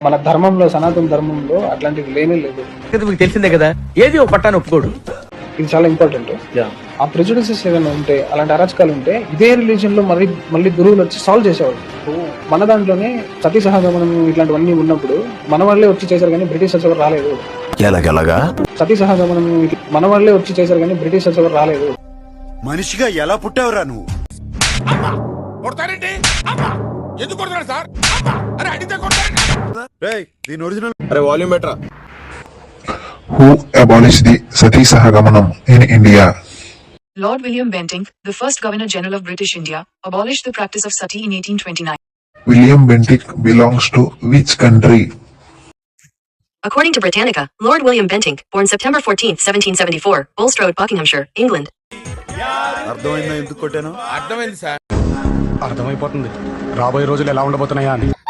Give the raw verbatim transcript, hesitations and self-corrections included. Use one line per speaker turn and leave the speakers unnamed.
మన ధర్మంలో, సనాతన ధర్మంలో అట్లాంటివి లేనే లేదు.
మీకు తెలిసిందే కదా, ఏది ఒక పట్టాను ఒప్పుకోడు.
ఇది చాలా ఇంపార్టెంట్. ఆ ప్రెజుడిసెస్ ఏదైనా ఉంటే, అలాంటి అరాచకాలు ఉంటే ఇదే రిలీజన్ లో మళ్ళీ మళ్ళీ గురువులు వచ్చి సాల్వ్ చేసేవాళ్ళు. మన దాంట్లోనే సతీ సహగమనం ఇట్లాంటివన్నీ ఉన్నప్పుడు మన వాళ్ళే వచ్చి చేశారు కానీ బ్రిటిషర్స్ ఎవరు రాలేదు.
ఎలాగెలాగా
సతీ సహగమనం మన వాళ్ళే వచ్చి చేశారు కానీ బ్రిటిషర్స్ ఎవరు రాలేదు.
మనిషిగా ఎలా పుట్టావురా నువ్వు?
Who abolished the Sati Sahagamanam in India?
Lord William Bentinck, the first Governor General of British India, abolished the practice of sati in eighteen twenty-nine.
William Bentinck belongs to which country?
According to Britannica, Lord William Bentinck, born September fourteenth, seventeen seventy-four, Bulstrode, Buckinghamshire, England.
అర్థమైందా ఎందుకు కొట్టాను?
అర్థమైపోతుంది రాబోయే రోజులు ఎలా ఉండబోతున్నాయా అని.